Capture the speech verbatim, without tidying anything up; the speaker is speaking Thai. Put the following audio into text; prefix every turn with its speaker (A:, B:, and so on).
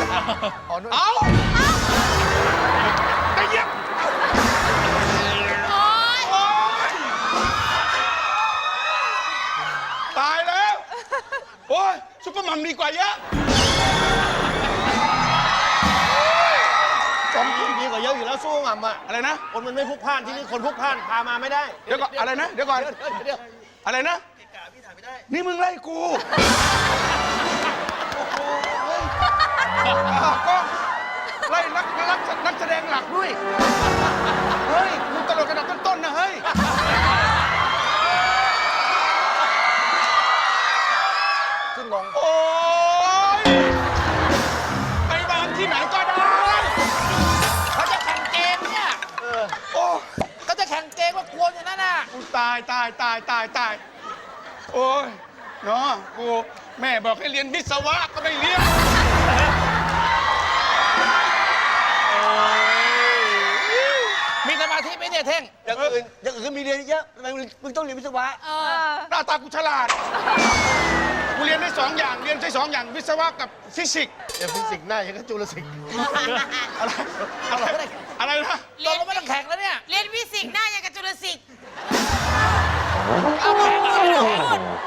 A: เอาได้เยี่ยมตายแล้วโอ้ยซุปเปอร์มัมดีกว่าเยอะ
B: จอมที่ดีกว่าเยอะอยู่แล้วสู้งัมอ่ะ
A: อะไรนะ
B: คนมันไม่พลุกพล่านที่นี่คนพลุกพล่านพามาไม่ได้
A: เดี๋ยวก่อนอะไรนะเดี๋ยวก่อน
B: เดี๋ยวเดี๋ยว
A: อะไรนะนี่มึงไล่กูก็ไล่นักนักนักแสดงหลักด้วยเฮ้ยมึงตลกระดับต้นๆนะเฮ้ย
B: ขึ้นงง
A: โอ้ยไปวางที่ไหนก็ได้
C: เขาจะแข่งเกมเนี่ย
A: โอ้
C: ก็จะแข่งเกมว่ากลัวอย่างนั้นน่ะ
A: กูตายตายตายตายตายโอ้ยเนาะกูแม่บอกให้เรียนวิศวะก็ไม่เรียน
C: มีสมาธิไหมเนี่ยเท่ง
B: อย่างอื่นอย่างอื่นมีเรียนเยอะทำไมมึงต้องเรียนวิศวะ
A: หน้าตากูฉลาดกูเรียนได้สองอย่างเรียนใช้สองอย่างวิศวะกับฟิสิกส์
B: เรียนฟิสิกส์หน้าอย่างกับจุลศิลป์
A: อะไรอะไรอะไรนะ
C: ตกลงไม่ต้องแข่งแล้วเนี่ย
D: เรียนฟิสิกส์หน้ายังกับจุลศิษย์
C: เอาแข่งเลย